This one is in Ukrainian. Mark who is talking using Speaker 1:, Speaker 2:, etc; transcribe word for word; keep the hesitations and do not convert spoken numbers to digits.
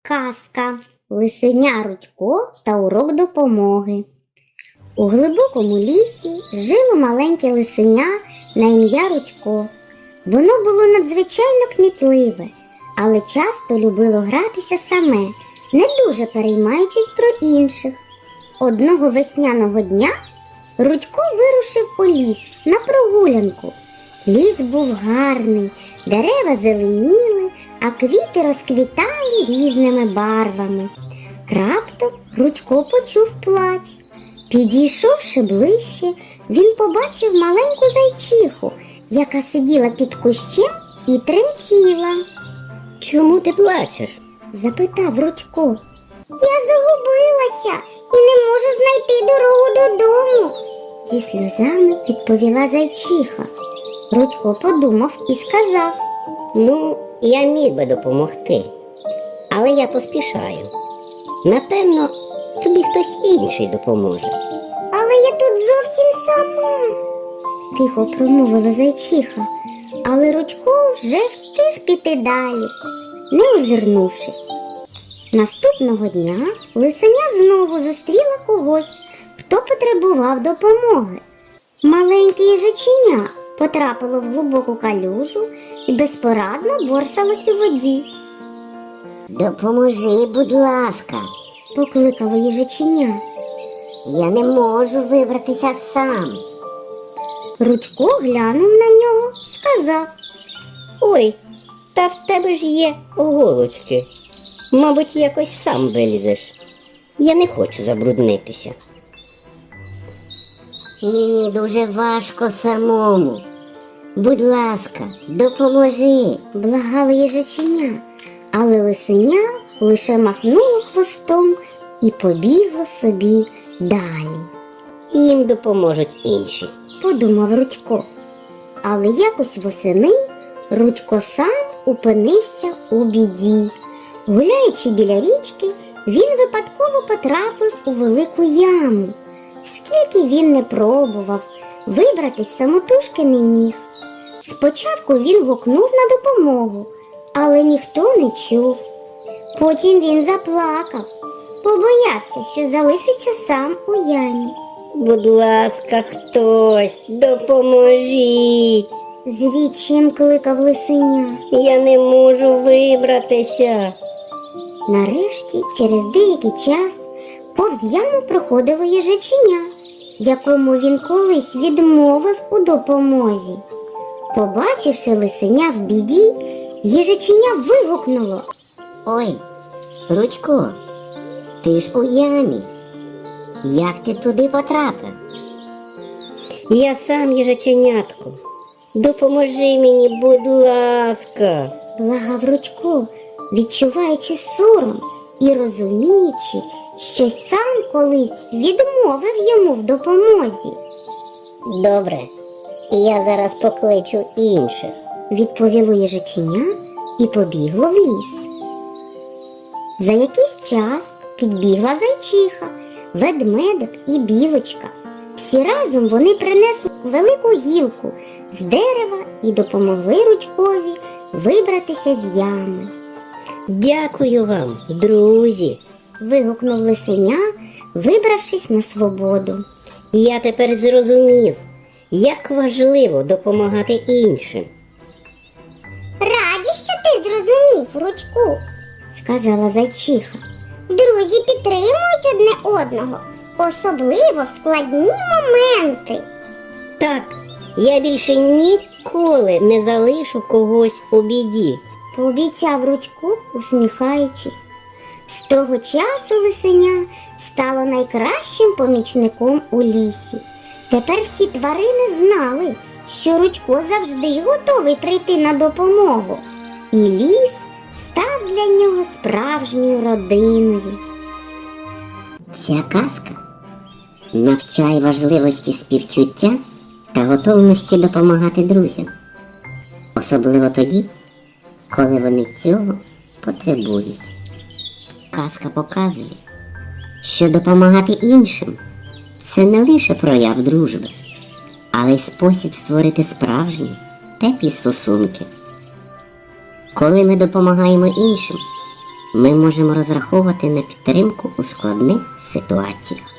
Speaker 1: Казка «Лисеня Рудько та урок допомоги». У глибокому лісі жило маленьке лисеня на ім'я Рудько. Воно було надзвичайно кмітливе, але часто любило гратися саме, не дуже переймаючись про інших. Одного весняного дня Рудько вирушив у ліс на прогулянку. Ліс був гарний, дерева зеленіли, а квіти розквітали різними барвами. Раптом Рудько почув плач. Підійшовши ближче, він побачив маленьку зайчиху, яка сиділа під кущем і тремтіла.
Speaker 2: «Чому ти плачеш?»
Speaker 1: – запитав Рудько. «Я загубилася і не можу знайти дорогу додому», – зі сльозами відповіла зайчиха. Рудько подумав і сказав:
Speaker 2: «Ну, я міг би допомогти, але я поспішаю. Напевно, тобі хтось інший допоможе».
Speaker 1: «Але я тут зовсім сама», – тихо промовила зайчиха, але Рудько вже встиг піти далі, не озирнувшись. Наступного дня лисеня знову зустріла когось, хто потребував допомоги. Маленьке їжаченя потрапило в глибоку калюжу і безпорадно борсалось у воді.
Speaker 2: «Допоможи, будь ласка»,
Speaker 1: – покликало їжаченя.
Speaker 2: «Я не можу вибратися сам».
Speaker 1: Рудько глянув на нього, сказав:
Speaker 2: «Ой, та в тебе ж є голочки. Мабуть, якось сам вилізеш. Я не хочу забруднитися». «Мені дуже важко самому. Будь ласка, допоможи»,
Speaker 1: – благало їжаченя, але лисеня лише махнуло хвостом і побігло собі далі.
Speaker 2: «Їм допоможуть інші»,
Speaker 1: – подумав Рудько. Але якось восени Рудько сам опинився у біді. Гуляючи біля річки, він випадково потрапив у велику яму. Скільки він не пробував, вибратись самотужки не міг. Спочатку він гукнув на допомогу, але ніхто не чув. Потім він заплакав, побоявся, що залишиться сам у ямі.
Speaker 2: «Будь ласка, хтось, допоможіть!»
Speaker 1: – з відчаєм кликав лисеня.
Speaker 2: «Я не можу вибратися!»
Speaker 1: Нарешті, через деякий час, повз яму проходило їжаченя, якому він колись відмовив у допомозі. Побачивши лисеня в біді, їжаченя вигукнуло:
Speaker 2: «Ой, Рудько, ти ж у ямі. Як ти туди потрапив?» «Я сам, їжаченятко. Допоможи мені, будь ласка!»
Speaker 1: – благав Рудько, відчуваючи сором і розуміючи, що сам колись відмовив йому в допомозі.
Speaker 2: «Добре, я зараз покличу інших»,
Speaker 1: – відповіло їжаченя і побігло в ліс. За якийсь час підбігла зайчиха, ведмедик і білочка. Всі разом вони принесли велику гілку з дерева і допомогли Рудькові вибратися з ями.
Speaker 2: «Дякую вам, друзі!»
Speaker 1: – вигукнув лисеня, вибравшись на свободу.
Speaker 2: «Я тепер зрозумів, як важливо допомагати іншим».
Speaker 1: «Раді, що ти зрозумів, Рудьку», – сказала зайчиха. «Друзі підтримують одне одного, особливо в складні моменти».
Speaker 2: «Так, я більше ніколи не залишу когось у біді»,
Speaker 1: – пообіцяв Рудько, усміхаючись. З того часу лисеня стало найкращим помічником у лісі. Тепер всі тварини знали, що Рудько завжди готовий прийти на допомогу. І ліс став для нього справжньою родиною.
Speaker 2: Ця казка навчає важливості співчуття та готовності допомагати друзям. Особливо тоді, коли вони цього потребують. Казка показує, що допомагати іншим – це не лише прояв дружби, але й спосіб створити справжні, теплі стосунки. Коли ми допомагаємо іншим, ми можемо розраховувати на підтримку у складних ситуаціях.